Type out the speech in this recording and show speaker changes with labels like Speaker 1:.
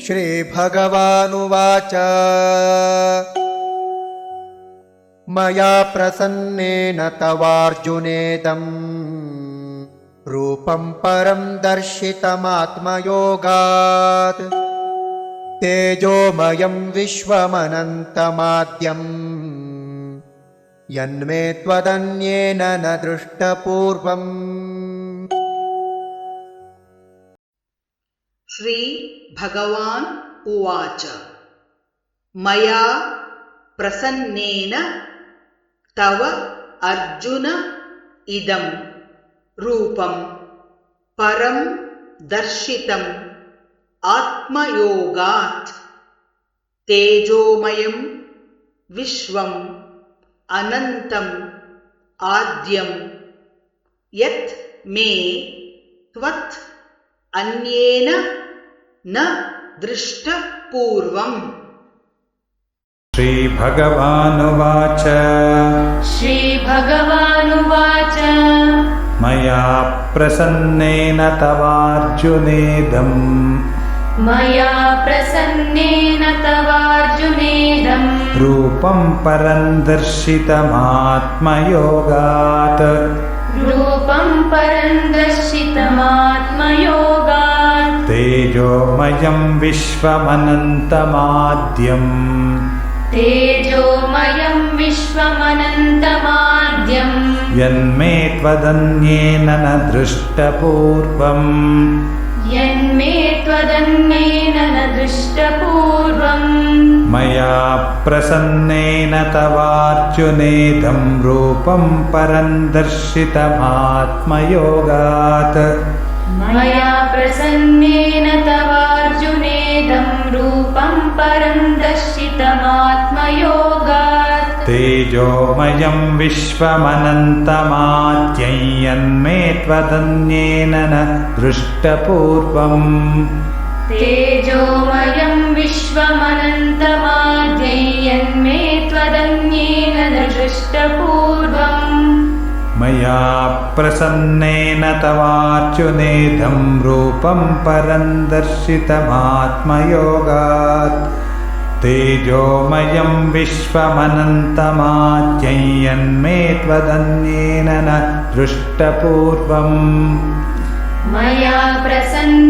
Speaker 1: श्रीभगवानुवाच मया प्रसन्नेन तवार्जुनेदं रूपं परं दर्शितमात्मयोगात् तेजोमयं विश्वमनन्तमाद्यम् यन्मे त्वदन्येन न दृष्टपूर्वम्।
Speaker 2: श्री भगवान् उवाच मया प्रसन्नेन तव अर्जुन इदं रूपं परं दर्शितम् आत्मयोगात् तेजोमयं विश्वम् अनन्तम् आद्यं यत् मे त्वत् अन्येन न दृष्टपूर्वम्।
Speaker 3: श्रीभगवानुवाच
Speaker 4: श्रीभगवानुवाच
Speaker 3: मया प्रसन्नेन तवार्जुनेदम् रूपं परं दर्शितमात्मयोगात् तेजोमयं विश्वमनन्तमाद्यम् यन्मे त्वदन्येन न दृष्टपूर्वम्। मया प्रसन्नेन तवार्जुनेदं रूपं परं दर्शितमात्मयोगात् तेजोमयं विश्वमनन्तमाद्यं यन्मे त्वदन्येन न दृष्टपूर्वम्। मया प्रसन्नेन तवार्जुनेदं रूपं परं दर्शितमात्मयोगात् तेजोमयं विश्वमनन्तमाद्यं यन्मे त्वदन्येन न दृष्टपूर्वम्।